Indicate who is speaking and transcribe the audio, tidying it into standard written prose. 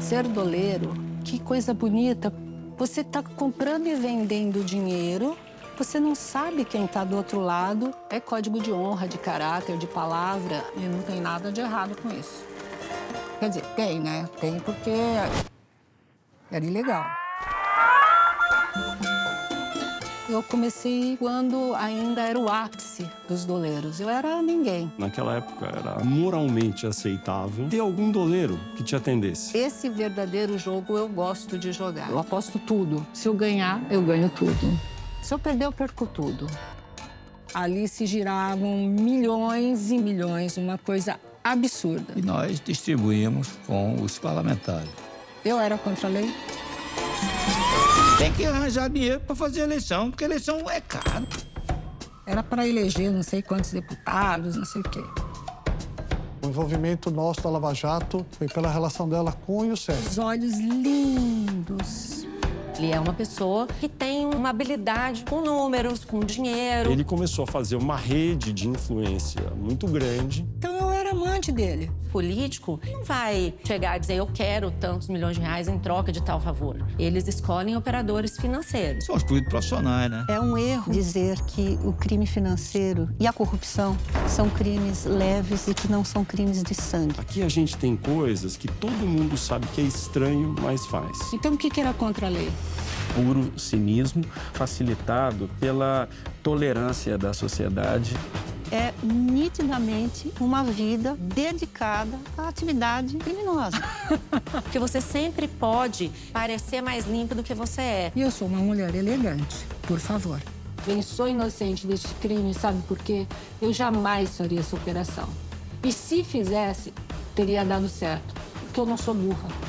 Speaker 1: Ser doleiro, que coisa bonita. Você está comprando e vendendo dinheiro, você não sabe quem está do outro lado. É código de honra, de caráter, de palavra, e não tem nada de errado com isso. Quer dizer, tem, né? Tem porque era ilegal. Eu comecei quando ainda era o ápice dos doleiros. Eu era ninguém.
Speaker 2: Naquela época era moralmente aceitável ter algum doleiro que te atendesse.
Speaker 1: Esse verdadeiro jogo eu gosto de jogar. Eu aposto tudo. Se eu ganhar, eu ganho tudo. Se eu perder, eu perco tudo. Ali se giravam milhões e milhões, uma coisa absurda.
Speaker 3: E nós distribuímos com os parlamentares.
Speaker 1: Eu era contra a lei.
Speaker 3: Tem que arranjar dinheiro para fazer eleição, porque eleição é caro.
Speaker 1: Era para eleger não sei quantos deputados, não sei o quê.
Speaker 4: O envolvimento nosso da Lava Jato foi pela relação dela com o Youssef.
Speaker 1: Os olhos lindos.
Speaker 5: Ele é uma pessoa que tem uma habilidade com números, com dinheiro.
Speaker 2: Ele começou a fazer uma rede de influência muito grande.
Speaker 1: Então eu era amante dele.
Speaker 5: O político não vai chegar e dizer eu quero tantos milhões de reais em troca de tal favor. Eles escolhem operadores financeiros.
Speaker 3: São os políticos profissionais, né?
Speaker 6: É um erro dizer que o crime financeiro e a corrupção são crimes leves e que não são crimes de sangue.
Speaker 2: Aqui a gente tem coisas que todo mundo sabe que é estranho, mas faz.
Speaker 1: Então o que era contra a lei?
Speaker 7: Puro cinismo, facilitado pela tolerância da sociedade.
Speaker 6: É nitidamente uma vida dedicada à atividade criminosa.
Speaker 5: Porque você sempre pode parecer mais limpo do que você é.
Speaker 1: E eu sou uma mulher elegante, por favor. Eu sou inocente deste crime, sabe por quê? Eu jamais faria essa operação. E se fizesse, teria dado certo, porque eu não sou burra.